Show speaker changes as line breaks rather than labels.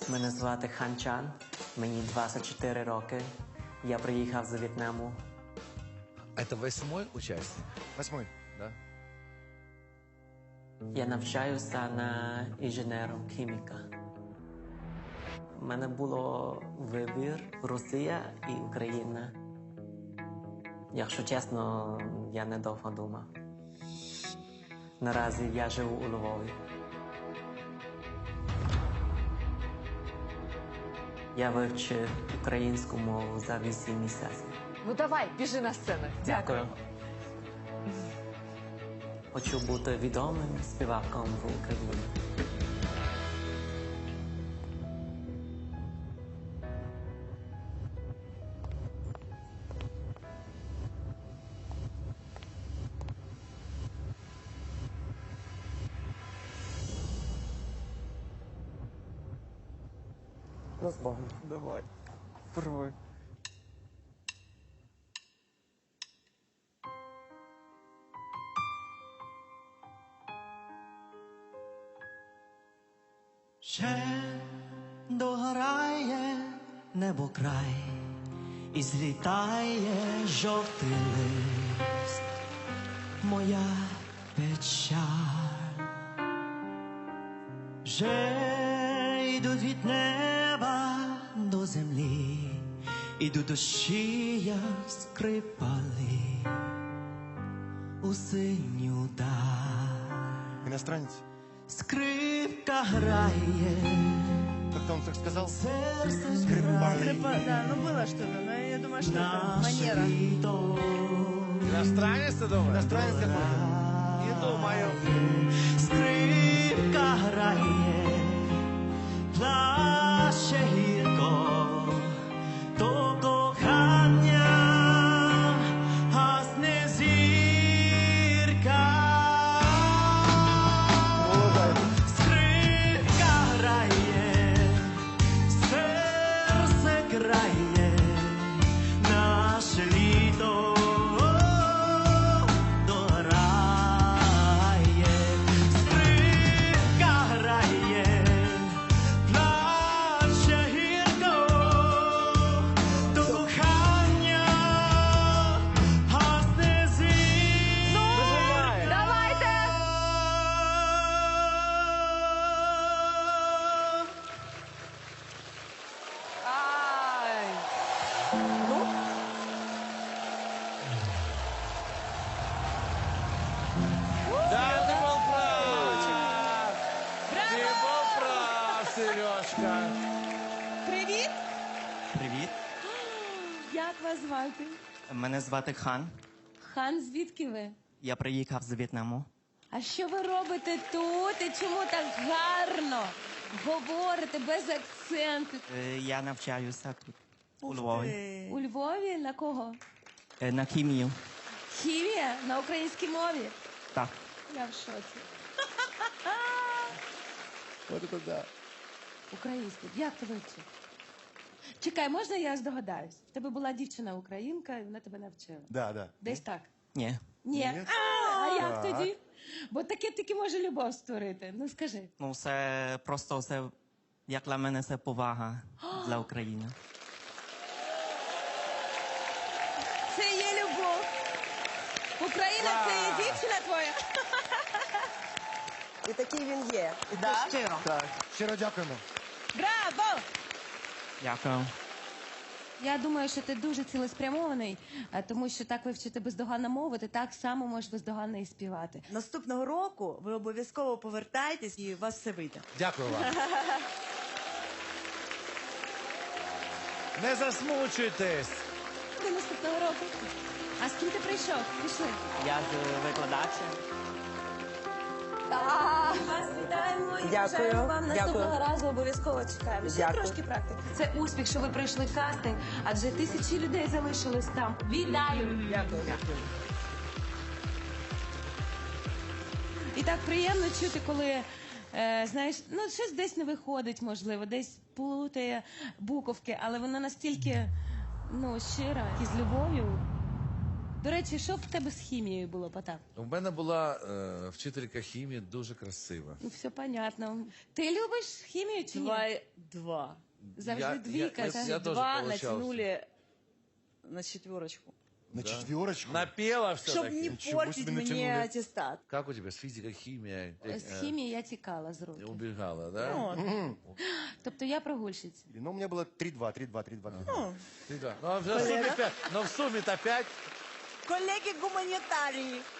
Мене звати Хан Чан, мені 24 роки. Я приїхав з В'єтнаму.
Это 8-й участник?
8-й.
Да.
Я навчаюся на інженером-хіміка. У мене було вибір Росія і Україна. Якщо чесно, я недовго думав. Наразі я живу у Львові. Я вивчив українську мову за 8 місяців.
Ну давай, біжи на сцену.
Дякую. Хочу бути відомим співаком в Україні.
Ну, з Богом.
Давай. Пробуй. Ще догорає небо край, і злітає жовтий лист. Моя печаль. Вже йдуть від неба до землі, ідуть дощі, як скрипали у синю даль.
Иностранец?
Скрипка грає,
Как-то он так сказал?
серце
Скрипка.
Да, ну было что-то, но я думаю, что это
наше
манера.
літо.
Иностранец, ты думаешь?
Иностранец какой-то?
Не думаю.
Скрипка грає, плаче гірко, то кохання гасне зірка. Скрипка грає, серце грає, наше літо дограє. Скрипка грає, плаче гірко, то кохання гасне зірка.
Давайте! Ай! Ну,
Да, ты был прав. Ты был прав, Сережка.
Привіт!
Привіт,
Як вас звати?
мене звати Хан.
Хан, звідки ви?
Я приїхав з В'єтнаму.
А що ви робите тут і чому так гарно говорите без акценту?
Я навчаюся тут, у Львові.
У Львові на кого?
На хімію.
Хімія? На українській мові?
Так.
Я в шоці.
Вот это да.
Українську. Як ти вивчив? Чекай, можна я здогадаюсь? В тебе була дівчина-українка, і вона тебе навчила.
Да, да.
Десь так?
Ні.
Ні.
Ні?
А як
Так.
тоді? Бо таке тільки може любов створити. Ну скажи.
Ну, це просто це, як для мене, це повага для України.
Це є любов. Україна це є дівчина твоя.
І такий він є. І
Да?
це щиро.
Так, щиро дякуємо.
Браво!
Дякую.
Я думаю, що ти дуже цілеспрямований, тому що так вивчити бездоганно мову, ти так само можеш бездоганно і співати.
Наступного року ви обов'язково повертаєтесь і у вас все вийде.
Дякую вам. Не засмучуйтесь.
До наступного року. А з ким ти прийшов? Пішли.
Я з викладачем.
Вас вітаємо і
Дякую,
бажаємо вам наступного
дякую.
разу обов'язково чекаємо. Ще
Дякую.
трошки практики. Це успіх, що ви пройшли кастинг, адже тисячі людей залишились там. Вітаю!
Дякую.
І так приємно чути, коли, знаєш, ну щось десь не виходить, можливо, десь плутає буковки, але воно настільки, ну, щира і з любов'ю До речі, що в тебе з хімією було, Потап?
У мене була вчителька хімії дуже красива.
Ну, все понятно. Ти любиш хімію чи ні?
2.
Завжди двійка.
я
так?
тоже
2
получался.
натянули на 4.
На четверочку.
Напела
Чтобы
все-таки.
не
Ничего
портить
себе
мне
натянули.
аттестат.
Как у тебя с физикой, химия?
З хімії я тікала з руки.
Убегала, да?
Ну,
Тобто я прогульщиця.
Ну, у меня было 3-2, 3-2, 3-2.
Ты да. Ну, а в сумме 5. Но в сумме-то 5.
коллеги-гуманитарии.